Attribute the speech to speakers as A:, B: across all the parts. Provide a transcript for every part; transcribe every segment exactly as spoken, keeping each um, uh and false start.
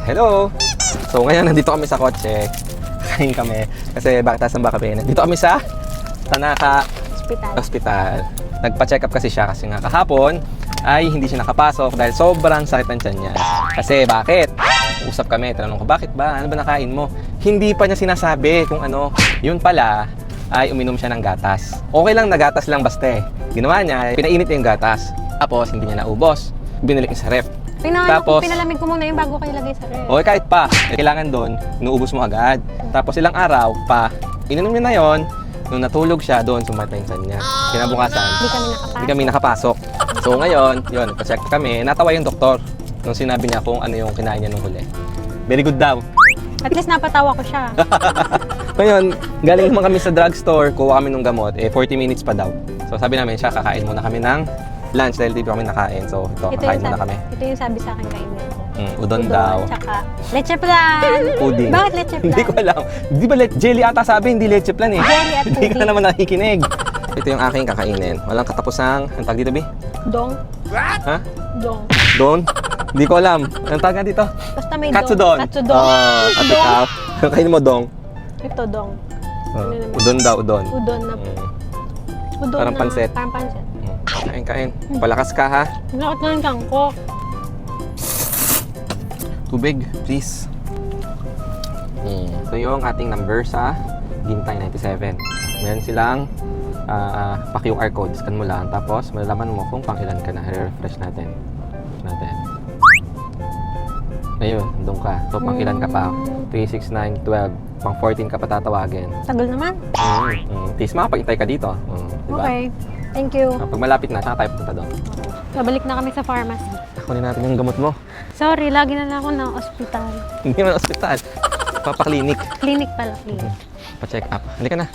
A: Hello! So ngayon, nandito kami sa kotse. Kain kami. Kasi bakit nasan ba kami? Nandito kami sa Tanaka
B: Hospital.
A: Hospital. Nagpa-check up kasi siya kasi nga kahapon ay hindi siya nakapasok dahil sobrang sakit ng tiyan niya. Kasi bakit? Usap kami, tinanong ko, bakit ba? Ano ba nakain mo? Hindi pa niya sinasabi kung ano. Yun pala, ay uminom siya ng gatas. Okay lang na gatas lang basta eh. Ginawa niya, pinainit niya yung gatas. Tapos hindi niya naubos. Binalik niya sa ref.
B: Pina,
A: Tapos,
B: pinalamig ko muna yung bago kayo ilagay sa ref.
A: okay, kahit pa, kailangan doon, inuubos mo agad. Tapos ilang araw pa, ininom niya na yon. Nung natulog siya doon, sumat na yung tiyan niya. Kinabukasan,
B: Hindi kami nakapasok.
A: hindi kami nakapasok. So ngayon, yun, pa-check kami. Natawa yung doktor nung sinabi niya kung ano yung kinain niya nung huli. Very good daw.
B: At least napatawa ko siya.
A: Ngayon, galing naman kami sa drugstore, kuha kami ng gamot, eh forty minutes pa daw. So sabi namin siya, kakain muna kami ng lunch dahil di pa kami nakain. So ito,
B: Ito
A: kakain
B: yung,
A: muna
B: sabi,
A: kami.
B: ito yung sabi sa akin kainin ko.
A: Mm, udon, daw.
B: Tsaka leche plan.
A: Pudding.
B: Bakit leche plan?
A: Hindi ko alam. Di ba le- jelly ata sabi, hindi leche plan eh.
B: Jelly at
A: Hindi ka
B: pudding.
A: naman nakikinig. Ito yung aking kakainin. Walang katapusang, ang tag dito, Bi?
B: Dong.
A: Ha?
B: Dong.
A: Don? Hindi ko alam. Anong tawag nga dito?
B: Basta may
A: Katsudon.
B: dong. Katsudon.
A: Oh, at
B: Dong.
A: ikaw? Kainin mo dong.
B: Ito dong.
A: Oh,
B: Ano naman?
A: udon daw, udon.
B: Udon na.
A: Mm.
B: Udon
A: Parang
B: na.
A: pansit.
B: Parang pansit.
A: Mm. Kain, kain. Palakas ka ha.
B: Nakot na yung tiyang ko.
A: Tubig, please. Mm. So yung ating number sa Gintay ninety-seven. Meron silang uh, pa-Q R code. Scan mo lang. Tapos malalaman mo kung pang ilan ka na. I-refresh natin. Natin. Ayun, doon ka. So pang ilan ka pa? three, six, nine, twelve. Pang fourteen ka pa tatawagin.
B: Tagal naman.
A: Mm. Mm. Tis, makapag-intay ka dito. Mm. Diba?
B: Okay. Thank you.
A: Uh, pag malapit na, tsaka tayo punta doon.
B: Babalik na kami sa pharmacy.
A: Kunin natin yung gamot mo.
B: Sorry, lagi na lang ako na ospital.
A: Hindi man ospital. Papaklinik.
B: Clinic pala, clinic.
A: Pa-check up. Halika na.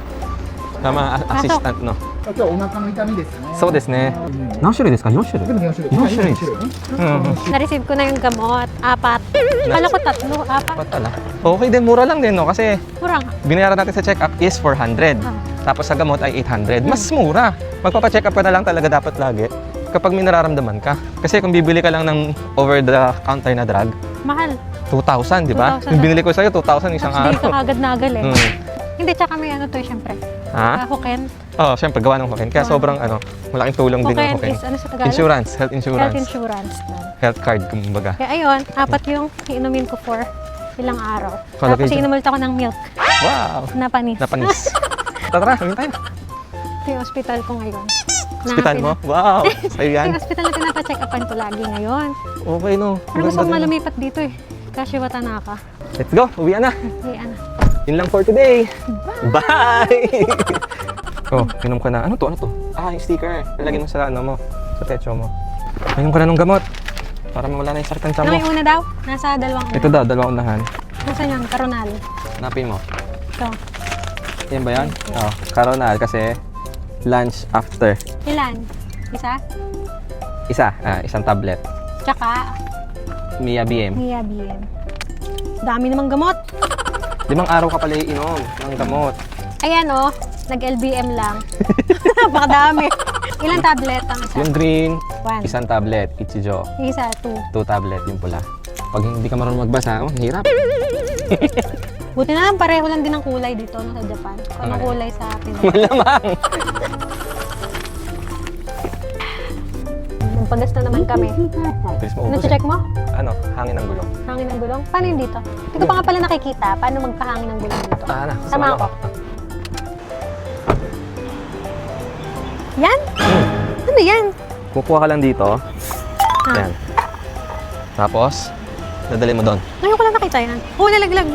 A: Tama, a- assistant, no?
C: 今日はお腹の痛みですね。
A: そうですね。何種類ですか ?よん 種類
C: でもよん種類。
A: よん種類
C: はいよん種類ね。
A: Hmm.
B: Na-receive ko na yung gamot. Apat. Kala ko tatlo. Apat.
A: Ba't pala? Okay din, mura lang din, no? Kasi
B: Kurang.
A: binayaran natin sa check-up is four hundred.
B: Ah.
A: Tapos sa gamot ay eight hundred. Mas mura. Magpapa-check up ka na lang talaga dapat lagi kapag may nararamdaman ka. Kasi kung bibili ka lang ng over-the-counter na drug,
B: Mahal.
A: two thousand, di ba?
B: two thousand.
A: Yung binili ko sa'yo, two thousand isang
B: Tapos bili ka
A: araw.
B: kagad na agad eh.
A: Hmm.
B: Hindi, tsaka may ano to, syempre.
A: Ha?
B: Uh, Hoken.
A: Oo, oh, syempre, gawa ng Hoken. Kaya
B: Ah.
A: sobrang, ano, malaking tulong din ng
B: Hoken
A: Hoken.
B: is ano sa Tagalog?
A: Insurance, health insurance.
B: Health insurance.
A: Health card, kumbaga.
B: Kaya ayun, apat yung inumin ko for ilang araw.
A: Kalagay
B: Tapos
A: dyan.
B: inumin ako ng milk
A: Wow!
B: na panis.
A: Napanis. Tara, kami tayo.
B: Ito yung hospital ko ngayon.
A: Hospital
B: Na
A: mo?
B: pina-
A: Wow! Sa'yo
B: Ito
A: yan.
B: yung hospital na pinapacheck upan ko lagi ngayon.
A: Okay, no.
B: Pero gusto kong
A: Maganda din.
B: malumipat dito eh. Kashiwa Tanaka.
A: Let's go! Uwi na!
B: Hey, ano.
A: Yun lang for today. Bye! Oh, inom ka na. Ano to? Ano to? Ah, yung sticker. Lalagyan mo sa ano mo. Sa techo mo. Inom ka na ng gamot. Para mawala na yung sakit ng tiyan
B: Ano
A: mo.
B: yung una daw? Nasa dalawang una.
A: Ito daw, dalawang unahan.
B: Nasaan yun? Karonal.
A: Hanapin mo.
B: Ito.
A: Yan ba yan? Oh, Caronal kasi lunch after.
B: Ilan? Isa?
A: Isa, ah, isang tablet.
B: Tsaka,
A: Mia B M.
B: Mia B M. Dami namang gamot.
A: Limang araw ka pala iinom ng gamot.
B: Ayan oh, nag-L B M lang. Napakadami. Ilang tablet ang isa?
A: Yung green,
B: One.
A: isang tablet. Ichijo.
B: Yung isa, two.
A: Two tablet, yung pula. Pag hindi ka marunong magbasa, oh, hirap.
B: Buti na lang, pareho lang din ang kulay dito no, sa Japan. Kung
A: Okay.
B: kulay sa Pinoy.
A: Malamang.
B: Magpagas na naman kami.
A: Bilis mo
B: Ano
A: ubus eh.
B: check mo?
A: Ano, hangin ng gulong.
B: Hangin ng gulong? Paano yun dito? Hindi ko pa nga pala nakikita. Paano magpahangin ng gulong dito?
A: Ah, na.
B: Sama
A: sumama
B: ako.
A: ka.
B: Yan?
A: Hmm.
B: Ano yan?
A: Kukuha ka lang dito.
B: Ah.
A: Yan. Tapos, dadali mo doon.
B: Ngayon ko lang nakita yan. Oo, nalaglag, B.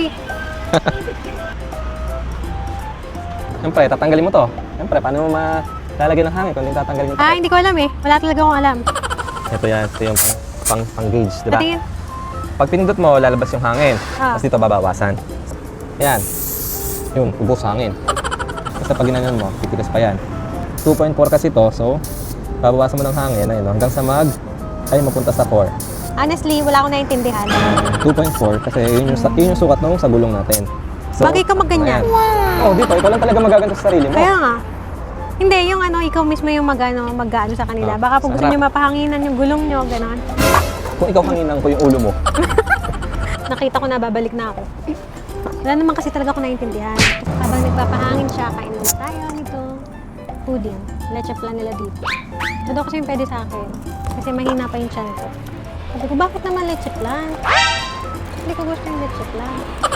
A: Siyempre, tatanggalin mo to. Siyempre, paano mo malalagyan ng hangin kung hindi tatanggalin mo to?
B: Ah, hindi ko alam eh. Wala talaga akong alam.
A: Ito yan. Ito yung pang, pang, pang gauge, di ba?
B: Patingin.
A: Pag pinindot mo, lalabas yung hangin.
B: Ah.
A: Tapos dito babawasan. Yan. Yun, ubos hangin. Basta pag ginanyan mo, titigas pa yan. two point four kasi to, so babawasan mo ng hangin ayun, hanggang sa mag ay mapunta sa four.
B: Honestly, wala akong naintindihan.
A: two point four kasi yun yung, sa- yun yung sukat nung sa gulong natin. So,
B: Bagay ka magganyan.
A: ayan. Oh, dito, ikaw lang talaga magaganto sa sarili mo.
B: Kaya nga. Hindi, yung ano, ikaw mismo yung mag-ano, mag-ano sa kanila.
A: Ah,
B: Baka pag gusto
A: sarap.
B: nyo mapahanginan yung gulong nyo, gano'n.
A: Kung ikaw hanginan ko yung ulo mo.
B: nakita ko na babalik na ako. Wala naman kasi talaga ako naiintindihan. Habang nagpapahangin siya, kain muna tayo nito. Pudding. Leche plan nila dito. Ito daw kasi yung pwede sa akin. Kasi mahina pa yung tiyan ko. Sabi ko, bakit naman leche plan? Hindi ko gusto yung leche plan.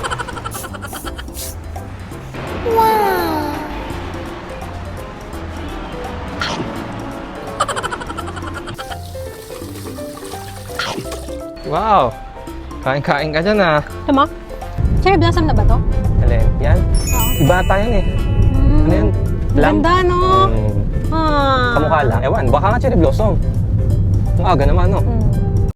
A: Wow! Kain-kain ka dyan ah.
B: Ito mo? Cherry blossom na ba to?
A: Alin? Yan?
B: Oo.
A: Si bata yan eh.
B: Mm.
A: Ano yan? Lam?
B: Ganda, no?
A: Mm.
B: Ah.
A: Kamukha lang. Ewan, baka nga cherry blossom. Ang aga naman, no?
B: Mm.